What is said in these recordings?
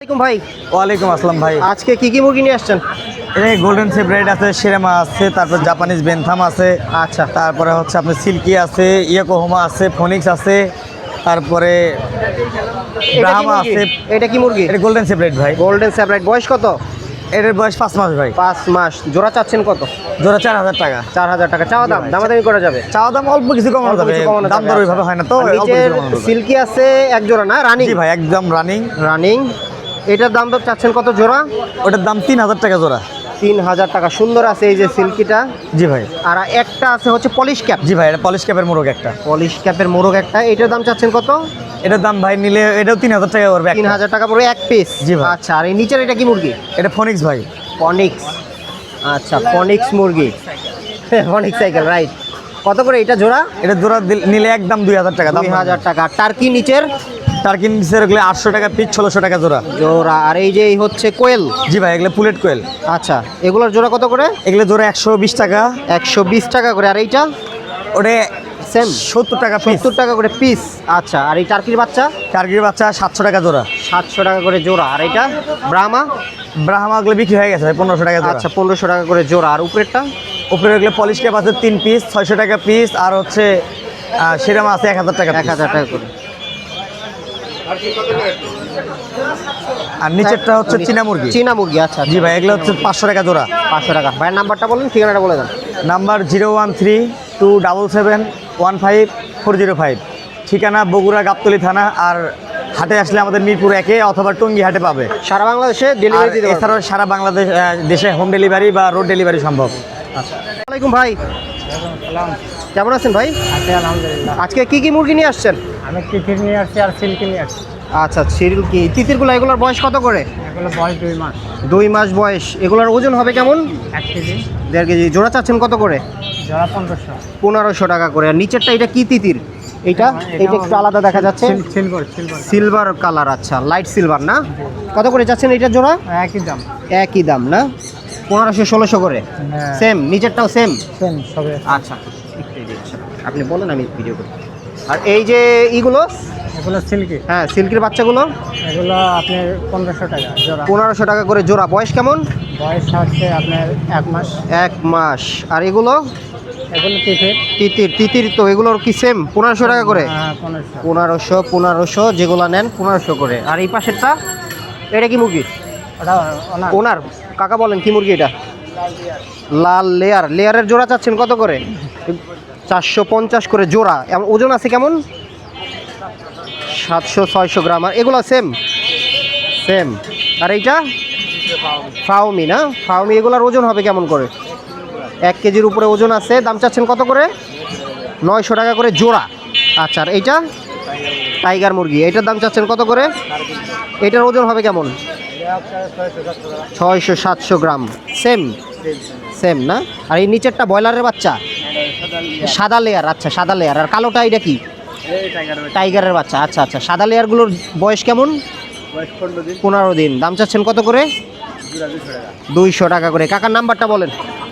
ভাই। ওয়ালাইকুম আসসালাম ভাই। আজকে কি কি মুরগি নিয়ে আসছেন? এই গোল্ডেন সেপারেট আছে, সেরেমা আছে, তারপর জাপানিজ বেনথাম আছে, আচ্ছা, তারপরে হচ্ছে আপনার সিল্কি আছে, ইয়োকোহামা আছে, ফোনিক্স আছে, তারপরে ব্রাহ্মা আছে। এটা কি মুরগি? এটা গোল্ডেন সেপারেট ভাই। গোল্ডেন স্যাপ্রাইট, বয়স কত? এটার বয়স 5 মাস ভাই। 5 মাস। জোড়া চাচ্ছেন কত? জোড়া 4000 টাকা। 4000 টাকা চাওয়া দাম, দামাদামি করা যাবে? চাওয়া দাম অল্প কিছু কমানো যাবে, দাম দর ওইভাবে হয় না তো, অল্প কিছু কমানো যাবে। সিল্কি আছে এক জোড়া না? রানিং? জি ভাই, একদম রানিং। রানিং। এটার দাম দর চাচ্ছেন কত জোড়া? ওটার দাম 3000 টাকা জোড়া। 3000 টাকা। সুন্দর আছে এই যে সিল্কিটা। জি ভাই। আর একটা আছে হচ্ছে পলিশ ক্যাপ। জি ভাই, এটা পলিশ ক্যাপের মোরগ একটা। পলিশ ক্যাপের মোরগ একটা। এটার দাম চাচ্ছেন কত? এটার দাম ভাই নিলে এটাও 3000 টাকা পড়বে। 3000 টাকা পড়বে এক পিস। জি ভাই। আচ্ছা, আর এই নিচের এটা কি মুরগি? এটা ফোনিক্স ভাই। ফনিক্স। আচ্ছা, ফনিক্স মুরগি। Phoenix cycle, right. কত করে এটা জোড়া? এটা জোড়া নিলে একদম 2000 টাকা দাম। 2000 টাকা। টার্কি নিচের? টার্কি নিচের এগুলো 800 টাকা পিস, 1600 টাকা জোড়া। জোড়া। আর এই যে এই হচ্ছে কোয়েল? জি ভাই, এগুলো পুলেট কোয়েল। আচ্ছা, এগুলোর জোড়া কত করে? এগুলো জোড়া 120 টাকা। 120 টাকা করে। আর এইটা? ওটা সেম 70 টাকা পিস। 70 টাকা করে পিস। আচ্ছা, আর এই টার্কির বাচ্চা? টার্কির বাচ্চা 700 টাকা জোড়া। 700 টাকা করে জোড়া। আর এটা ব্রাহ্মা? ব্রাহ্মাগুলো বিক্রি হয়ে গেছে ভাই 1500 টাকা জোড়া। আচ্ছা, 1500 টাকা করে জোড়া। আর উপরেরটা? উপরে এগুলো পলিশ ক্যাপ আছে 3 পিস, 600 টাকা পিস। আর হচ্ছে সেরামা আছে 1000 টাকা। 1000 টাকা করে। আর নিচেরটা হচ্ছে চীনা মুরগি। চীনা মুরগি। আচ্ছা জি ভাই, এগুলো হচ্ছে 500 টাকা জোড়া। 500 টাকা। ভাইয়ের নাম্বারটা বলেন, ঠিকানাটা বলে দেন। নাম্বার 01327715405। ঠিকানা বগুড়া গাবতলী থানা। আর হাটে আসলে আমাদের মিরপুর 1 অথবা টঙ্গী হাটে পাবে। সারা বাংলাদেশে ডেলিভারি দিতে পারবেন? এছাড়াও সারা বাংলাদেশ দেশে হোম ডেলিভারি বা রোড ডেলিভারি সম্ভব। আচ্ছা। আসসালামু আলাইকুম ভাই। কেমন আছেন ভাই? আছি আলহামদুলিল্লাহ। আজকে কি কি মুরগি নিয়ে আসছেন? আমি তিতির নিয়ে আসছি আর সিল্কি নিয়ে আসছি। আচ্ছা, সিল্কি। তিতিরগুলো এগুলোর বয়স কত করে? এগুলো বয়স 2 মাস। 2 মাস বয়স। এগুলোর ওজন হবে কেমন? 1 কেজি। 1.5 কেজি। জোড়া চাচ্ছেন কত করে? জোড়া 1500। 1500 টাকা করে। আর নিচেরটা এটা কি তিতির? এইটা একটু আলাদা দেখা যাচ্ছে। সিলভার। Silver colour. আচ্ছা, লাইট সিলভার না? কত করে চাচ্ছেন এটা জোড়া? একই দাম। একই দাম না? 1500-1600 করে। Same, নিচেরটাও same? সেম সবে। আচ্ছা, আপনি বলেন, আমি ভিডিও করি। আর এই যে ইগুলো? এগুলো সিল্কি। হ্যাঁ, সিল্কের বাচ্চাগুলো? এগুলো আপনার 1500 টাকা জোড়া। 1500 টাকা করে জোড়া। বয়স কেমন? বয়স হচ্ছে আপনার 1 মাস। 1 মাস। আর এগুলো? এগুলো তিতির। তিতির তো এগুলোর কি সেম 1500 টাকা করে? হ্যাঁ, 1500। 1500 যেগুলো নেন 1500 করে। আর এই পাশেরটা এটা কি মুরগি? ওটা ওনার কাকা বলেন কি মুরগি এটা? লাল লেয়ার। লেয়ারের জোড়া চাচ্ছেন কত করে? 450 করে জোড়া। ওজন আছে কেমন? 700-600 গ্রাম। আর এগুলো সেম? সেম। আর এইটা ফাউমি না? ফাউমি। এগুলোর ওজন হবে কেমন করে? 1 কেজির উপরে ওজন আছে। দাম চাচ্ছেন কত করে? 900 টাকা করে জোড়া। আচ্ছা, আর এইটা টাইগার মুরগি। এইটার দাম চাচ্ছেন কত করে? এটার ওজন হবে কেমন? 600-700 গ্রাম। সেম সেম না? আর এই নিচেরটা ব্রয়লারের বাচ্চা? সাদা লেয়ার। আচ্ছা, সাদা লেয়ার। আর কালোটা এটা কি? টাইগারের বাচ্চা। আচ্ছা আচ্ছা। সাদা লেয়ারগুলোর বয়স কেমন? 15 দিন। দাম চাচ্ছেন কত করে? 200 টাকা করে। কাকার নাম্বারটা বলেন।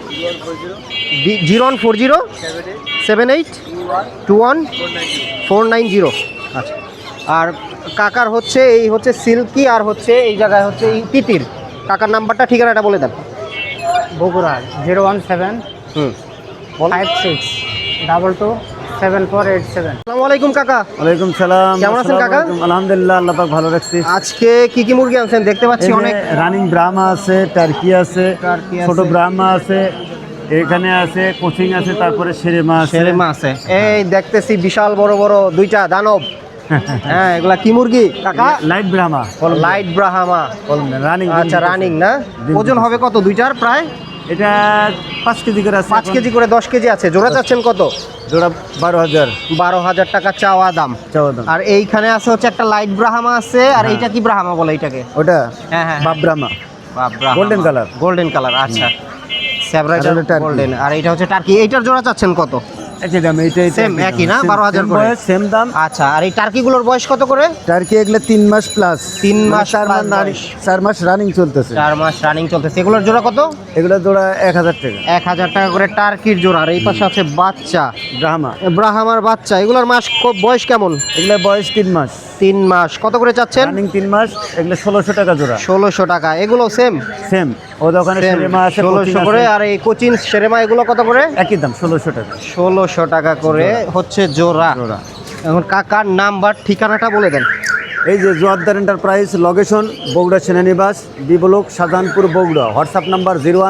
0107821 আচ্ছা। আর কাকার হচ্ছে এই হচ্ছে সিল্কি, আর হচ্ছে এই জায়গায় হচ্ছে এই তিতির। কাকার নাম্বারটা, ঠিকানাটা বলে দেন। বগুড়া 017 56 22 7487। আসসালামু আলাইকুম কাকা। ওয়ালাইকুম সালাম। কেমন আছেন কাকা? আলহামদুলিল্লাহ, আল্লাহ পাক ভালো রাখছি। আজকে কি কি মুরগি আনছেন? দেখতে পাচ্ছি অনেক। রানিং ব্রাহ্মা আছে, টার্কি আছে, ছোট ব্রাহ্মা আছে, এখানে আছে কোচিং আছে, তারপরে সেরেমা আছে। এই দেখতেছি বিশাল বড় বড় দুইটা দানব। হ্যাঁ, এগুলা কি মুরগি কাকা? Light Brahma. Light Brahma. Running. আচ্ছা, রানিং না? ওজন হবে কত দুইটার? প্রায় এটা 5 কেজি করে আছে। 5 কেজি করে। 10 কেজি আছে। জোড়া চাচ্ছেন কত? জোড়া 12000। 12000 টাকা চাওয়া দাম। আর এইখানে আছে হচ্ছে একটা লাইট ব্রাহ্মা আছে। আর এইটা কি ব্রাহ্মা বলে এটাকে? ওটা হ্যাঁ হ্যাঁ, বাপ Brahma. Golden colour. Golden colour. আচ্ছা, সেভরাইটার গোল্ডেন। আর এইটা হচ্ছে টার্কি। এইটার জোড়া চাচ্ছেন কত? একই দাম। এইটাই সেম, একই না? 12000 করে। সেম দাম। আচ্ছা, আর এই টার্কিগুলোর বয়স কত করে? টার্কি এগুলো 3 মাস প্লাস। 3 মাস 4 মাস রানিং চলতেছে। 4 মাস রানিং চলতেছে। এগুলোর জোড়া কত? এগুলো জোড়া 1000 টাকা। 1000 টাকা করে টার্কির জোড়া। আর এই পাশে আছে বাচ্চা ব্রাহ্মা। ব্রাহ্মার বাচ্চা। এগুলোর বয়স কেমন? এগুলো বয়স 3 মাস। 3 মাস কত করে চাচ্ছেন? রানিং 3 মাস, এগুলো 1600 টাকা জোড়া। 1600 টাকা। এগুলো সেম সেম, ও দোকানে সেরেমা আছে 1600 করে। আর এই কোচিন সেরেমা এগুলো কত করে? একই দাম 1600 টাকা। 1600 টাকা করে হচ্ছে জোড়া। এখন কাকার নাম্বার ঠিকানাটা বলে দেন। এই যে জোয়ারদার এন্টারপ্রাইজ, লোকেশন বগুড়া সেনানিবাস, B block, Shahjahanpur, Bogura. WhatsApp number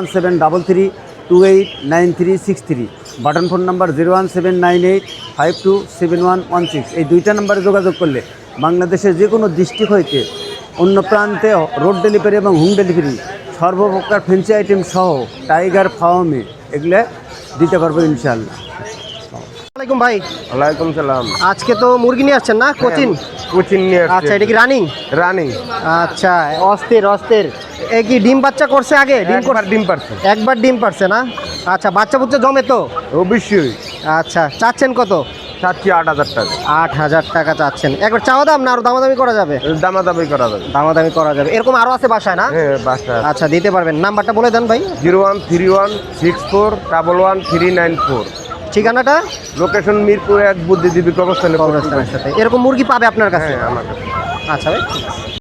01733289363। Button phone number 01798527116। এই দুইটা নাম্বারে যোগাযোগ করলে বাংলাদেশের যে কোনো ডিস্ট্রিক্ট হইতে অন্য প্রান্তে রোড ডেলিভারি এবং হোম ডেলিভারি সর্বপ্রকার ফ্যান্সি আইটেম সহ টাইগার, ফাওমি এগুলো দিতে পারবো ইনশাআল্লাহ। ওয়ালাইকুম ভাই। ওয়ালাইকুম সালাম। আজকে তো মুরগি নিয়ে আসছেন না? কোচিন। কোচিন নিয়ে আচ্ছা, এটা কি রানিং? রানিং। আচ্ছা, অস্থির অস্থির। এ কি ডিম বাচ্চা করছে আগে? ডিম পারছে। একবার ডিম পারছে না? আচ্ছা, বাচ্চা বুচ্চা জমে তো? অবশ্যই। আচ্ছা, চাচ্ছেন কত? চাচ্ছি 8000 টাকা। 8000 টাকা চাচ্ছেন। একবার চাওয়া দাম না আরো দামাদামি করা যাবে? দামাদামি করা যাবে। দামাদামি করা যাবে। এরকম আরো আছে বাসায় না? হ্যাঁ, বাসা। আচ্ছা, দিতে পারবেন। নাম্বারটা বলে দেন ভাই। 01316411394। ঠিকানাটা? লোকেশন মিরপুর 1, বুদ্ধিজীবী কবরস্থানে। কবরস্থানের সাথে। এরকম মুরগি পাবে আপনার কাছে? হ্যাঁ, আমার কাছে। আচ্ছা ভাই।